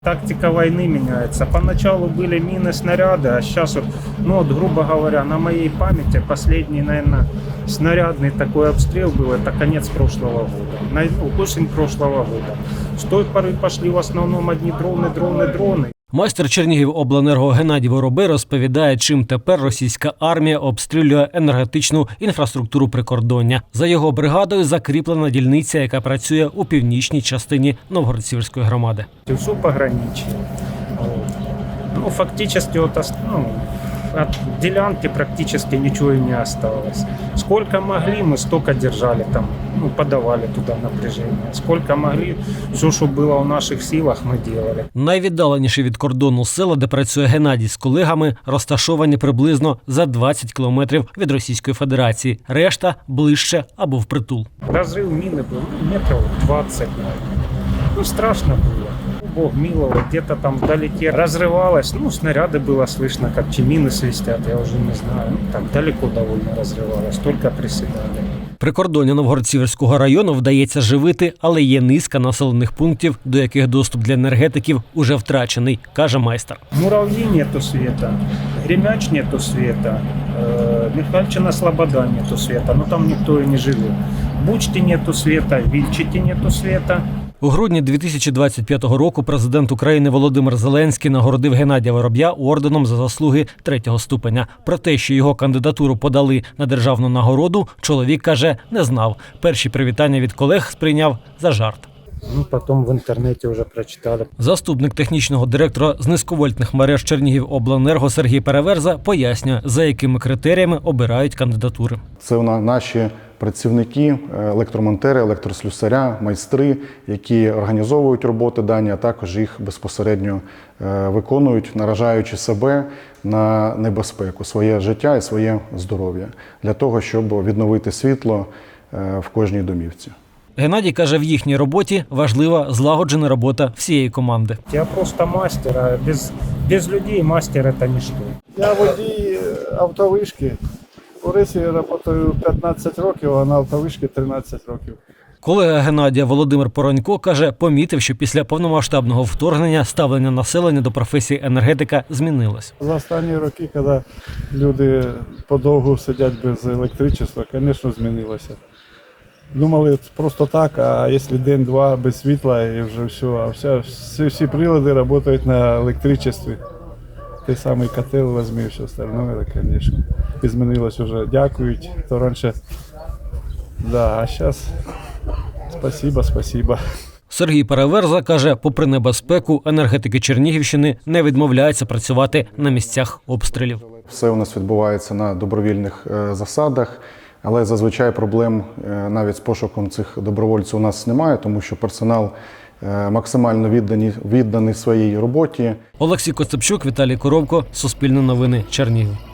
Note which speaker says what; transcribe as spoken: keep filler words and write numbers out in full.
Speaker 1: Тактика войны меняется. Поначалу были мины, снаряды, а сейчас, вот, ну вот, грубо говоря, на моей памяти последний, наверное, снарядный такой обстрел был, это конец прошлого года, на, ну, осень прошлого года. С той поры пошли в основном одни дроны, дроны, дроны.
Speaker 2: Майстер Чернігівобленерго Геннадій Воробей розповідає, чим тепер російська армія обстрілює енергетичну інфраструктуру прикордоння. За його бригадою закріплена дільниця, яка працює у північній частині Новгород-Сіверської громади.
Speaker 1: Все пограничье. Ну, фактически вот, ну, от делянки практически ничего и не осталось. Сколько могли, мы столько держали там, ну, подавали туда напряжение. Сколько могли, все, что было в наших силах, мы делали.
Speaker 2: Найвіддаленіші від кордону села, де працює Геннадій з колегами, розташовані приблизно за двадцять кілометрів від Російської Федерації. Решта – ближче або впритул.
Speaker 1: Разрыв мины был метров двадцать, наверное. Ну, страшно было. Бог миловал, где-то там вдалеке разрывалось. Ну, снаряды было слышно, как мины свистят, я уже не знаю. Ну, так далеко довольно разрывалось, только приседали.
Speaker 2: Прикордоння Новгород-Сіверського району вдається живити, але є низка населених пунктів, до яких доступ для енергетиків уже втрачений, каже майстер.
Speaker 1: Муравьи нету света, Гремяч нету света, э, Михальчина Слобода нету света, но там никто и не живет. Бучти нету света, Вильчити нету света.
Speaker 2: У грудні дві тисячі двадцять п'ятого року президент України Володимир Зеленський нагородив Геннадія Вороб'я орденом за заслуги третього ступеня. Про те, що його кандидатуру подали на державну нагороду, чоловік каже, не знав. Перші привітання від колег сприйняв за жарт.
Speaker 1: Ну, потім в інтернеті вже прочитали.
Speaker 2: Заступник технічного директора з низьковольтних мереж Чернігівобленерго Сергій Переверза пояснює, за якими критеріями обирають кандидатури.
Speaker 3: Це наші працівники, електромонтери, електрослюсаря, майстри, які організовують роботи дані, а також їх безпосередньо виконують, наражаючи себе на небезпеку, своє життя і своє здоров'я, для того, щоб відновити світло в кожній домівці.
Speaker 2: Геннадій каже, в їхній роботі важлива злагоджена робота всієї команди.
Speaker 1: Я просто мастер, а без, без людей мастер – це ніщо.
Speaker 4: Я водій автовишки. У Рисі працюю п'ятнадцять років, а на автовишки тринадцять років.
Speaker 2: Колега Геннадія Володимир Поронько каже, помітив, що після повномасштабного вторгнення ставлення населення до професії енергетика змінилось.
Speaker 4: За останні роки, коли люди подовго сидять без електричества, звісно, змінилося. Думали просто так, а якщо день-два без світла і вже все, а все, всі, всі прилади працюють на електричестві. Той самий котел візьми, все остальное, це, звісно, і змінилось вже. Дякують, то раніше, да, а зараз спасибо, спасибо.
Speaker 2: Сергій Переверза каже, попри небезпеку, енергетики Чернігівщини не відмовляються працювати на місцях обстрілів.
Speaker 3: Все у нас відбувається на добровільних засадах, але зазвичай проблем навіть з пошуком цих добровольців у нас немає, тому що персонал максимально віддані, відданий своїй роботі.
Speaker 2: Олексій Коцепчук, Віталій Коровко, Суспільне новини, Чернігів.